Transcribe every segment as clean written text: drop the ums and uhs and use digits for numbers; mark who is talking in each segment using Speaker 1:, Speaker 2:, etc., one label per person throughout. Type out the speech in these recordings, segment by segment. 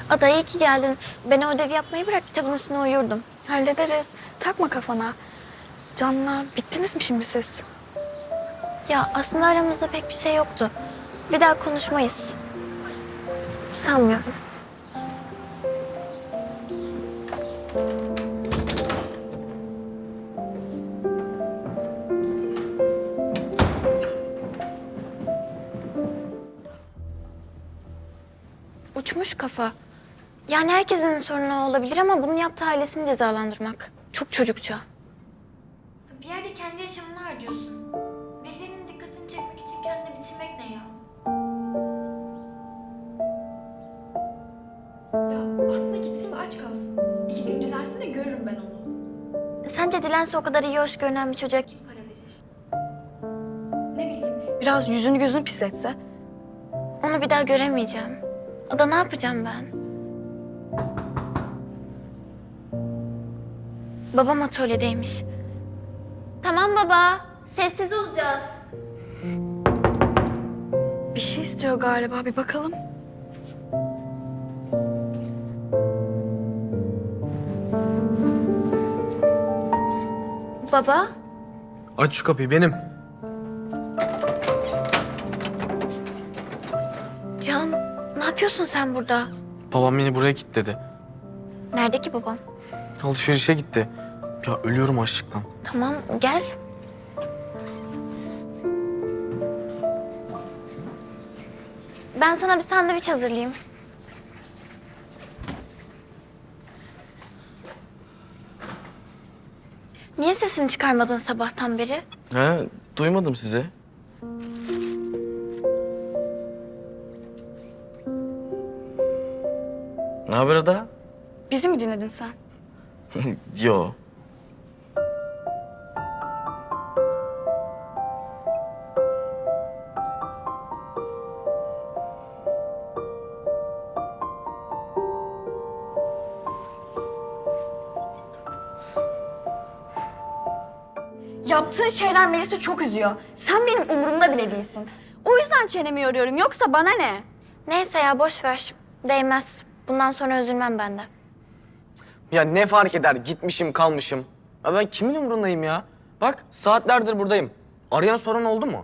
Speaker 1: Ada iyi ki geldin. Ben o ödevi yapmayı bırak, kitabın üstüne uyurdum.
Speaker 2: Hallederiz. Takma kafana. Can'la bittiniz mi şimdi siz?
Speaker 1: Ya aslında aramızda pek bir şey yoktu. Bir daha konuşmayız. Sanmıyorum. Uçmuş kafa. Yani herkesin sorunu olabilir ama bunu yaptığı ailesini cezalandırmak. Çok çocukça. Bir yerde kendi yaşamını harcıyorsun. Birilerinin dikkatini çekmek için kendini bitirmek ne ya?
Speaker 2: Ya aslında gitsin aç kalsın. 2 gün dilensin de görürüm ben onu.
Speaker 1: Sence dilense o kadar iyi hoş görünen bir çocuğa kim para verir?
Speaker 2: Ne bileyim biraz yüzünü gözünü pisletse.
Speaker 1: Onu bir daha göremeyeceğim. Ada ne yapacağım ben? Babam atölyedeymiş. Tamam baba, sessiz olacağız.
Speaker 2: Bir şey istiyor galiba, bir bakalım.
Speaker 1: Baba,
Speaker 3: Aç şu kapıyı, benim.
Speaker 1: Can, ne yapıyorsun sen burada?
Speaker 3: Babam beni buraya kilitledi.
Speaker 1: Nerede ki babam?
Speaker 3: Alışverişe gitti. Ya ölüyorum açlıktan.
Speaker 1: Tamam, gel. Ben sana bir sandviç hazırlayayım. Niye sesini çıkarmadın sabahtan beri?
Speaker 3: He, duymadım sizi. Ne haber Ada?
Speaker 2: Bizi mi dinledin sen?
Speaker 3: Yo.
Speaker 2: Yaptığın şeyler Melis'i çok üzüyor. Sen benim umurumda bile değilsin. O yüzden çenemi yoruyorum. Yoksa bana ne?
Speaker 1: Neyse ya, boş ver. Değmez. Bundan sonra üzülmem ben de.
Speaker 3: Ya ne fark eder? Gitmişim, kalmışım. Ya ben kimin umurundayım ya? Bak, saatlerdir buradayım. Arayan soran oldu mu?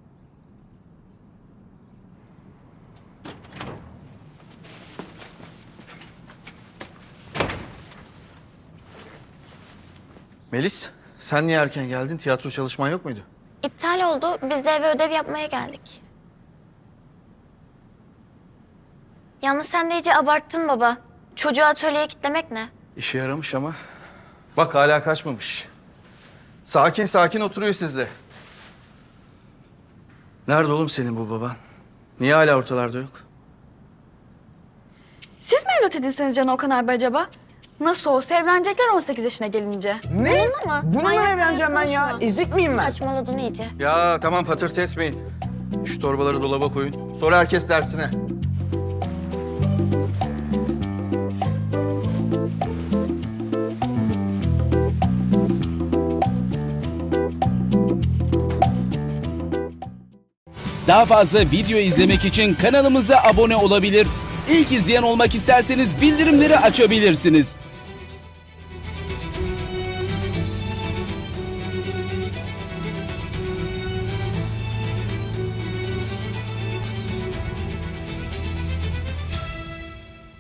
Speaker 4: Melis, sen niye erken geldin? Tiyatro çalışman yok muydu?
Speaker 1: İptal oldu. Biz de eve ödev yapmaya geldik. Yalnız sen de iyice abarttın baba. Çocuğu atölyeye kilitlemek ne?
Speaker 4: İşe yaramış ama. Bak hala kaçmamış. Sakin sakin oturuyor sizde. Nerede oğlum senin bu baban? Niye hala ortalarda yok?
Speaker 2: Siz mi evlat edinseniz Can Okan abi acaba? Nasıl olsa evlenecekler 18 yaşına gelince.
Speaker 5: Ne?
Speaker 1: Bununla mı?
Speaker 5: Bununla
Speaker 1: Manyak
Speaker 5: evleneceğim ben ya.
Speaker 1: konuşma.
Speaker 5: Ezik miyim ben?
Speaker 1: Saçmaladın iyice.
Speaker 4: Ya tamam patırtı etmeyin. Şu torbaları dolaba koyun. Sonra herkes dersine.
Speaker 6: Daha fazla video izlemek için kanalımıza abone olabilir. İlk izleyen olmak isterseniz bildirimleri açabilirsiniz.